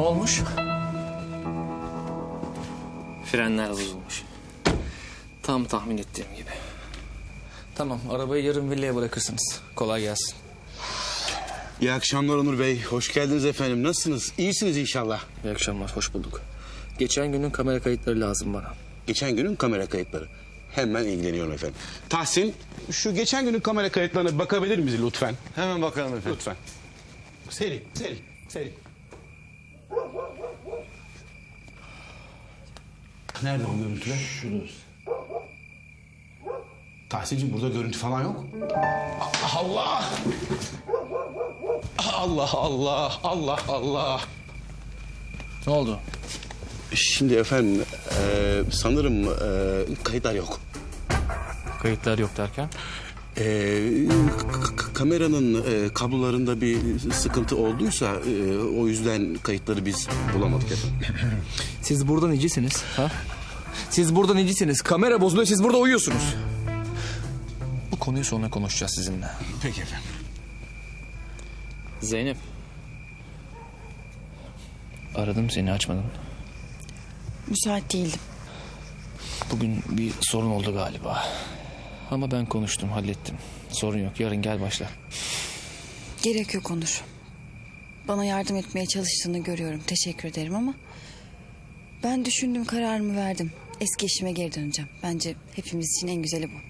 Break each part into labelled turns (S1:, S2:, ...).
S1: olmuş?
S2: Frenler bozulmuş. Tam tahmin ettiğim gibi.
S1: Tamam, arabayı yarın villaya bırakırsınız. Kolay gelsin.
S3: İyi akşamlar Onur Bey. Hoş geldiniz efendim. Nasılsınız? İyisiniz inşallah.
S2: İyi akşamlar, hoş bulduk. Geçen günün kamera kayıtları lazım bana.
S3: Geçen günün kamera kayıtları. Hemen ilgileniyorum efendim. Tahsin, şu geçen günün kamera kayıtlarına bakabilir miyiz lütfen?
S4: Hemen bakalım efendim.
S3: Lütfen. Seri. Nerede bu görüntüler? Şurada. Tahsin'cim burada görüntü falan yok. Allah! Allah!
S2: Ne oldu?
S3: Şimdi efendim, sanırım kayıtlar yok.
S2: Kayıtlar yok derken?
S3: Kameranın kablolarında bir sıkıntı olduysa o yüzden kayıtları biz bulamadık efendim.
S1: Siz burada necisiniz? Ha? Siz burada necisiniz? Kamera bozuluyor, siz burada uyuyorsunuz. Bu konuyu sonra konuşacağız sizinle.
S3: Peki efendim.
S2: Zeynep. Aradım seni, açmadın.
S5: Müsait değildim.
S2: Bugün bir sorun oldu galiba. Ama ben konuştum, hallettim. Sorun yok, yarın gel başla.
S5: Gerek yok Onur. Bana yardım etmeye çalıştığını görüyorum. Teşekkür ederim ama... ben düşündüm, kararımı verdim. Eski işime geri döneceğim. Bence hepimiz için en güzeli bu.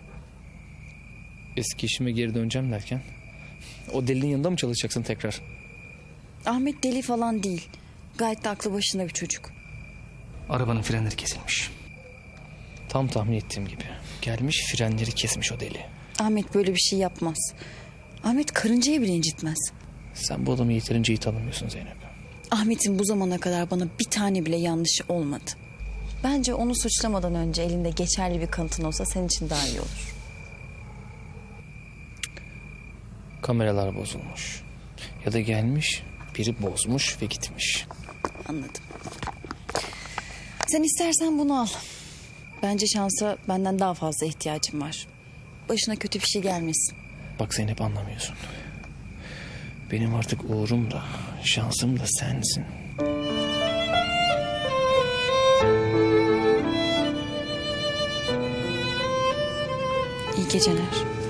S2: Eski işime geri döneceğim derken? O delinin yanında mı çalışacaksın tekrar?
S5: Ahmet deli falan değil. Gayet de aklı başında bir çocuk.
S2: Arabanın frenleri kesilmiş. Tam tahmin ettiğim gibi. Gelmiş frenleri kesmiş o deli.
S5: Ahmet böyle bir şey yapmaz. Ahmet karıncayı bile incitmez.
S2: Sen bu adamı yeterince iyi tanımıyorsun Zeynep.
S5: Ahmet'in bu zamana kadar bana bir tane bile yanlışı olmadı. Bence onu suçlamadan önce elinde geçerli bir kanıtın olsa senin için daha iyi olur.
S2: Kameralar bozulmuş. Ya da gelmiş, biri bozmuş ve gitmiş.
S5: Anladım. Sen istersen bunu al. Bence şansa benden daha fazla ihtiyacım var. Başına kötü bir şey gelmesin.
S2: Bak Zeynep, anlamıyorsun. Benim artık uğurum da, şansım da sensin.
S5: İyi geceler.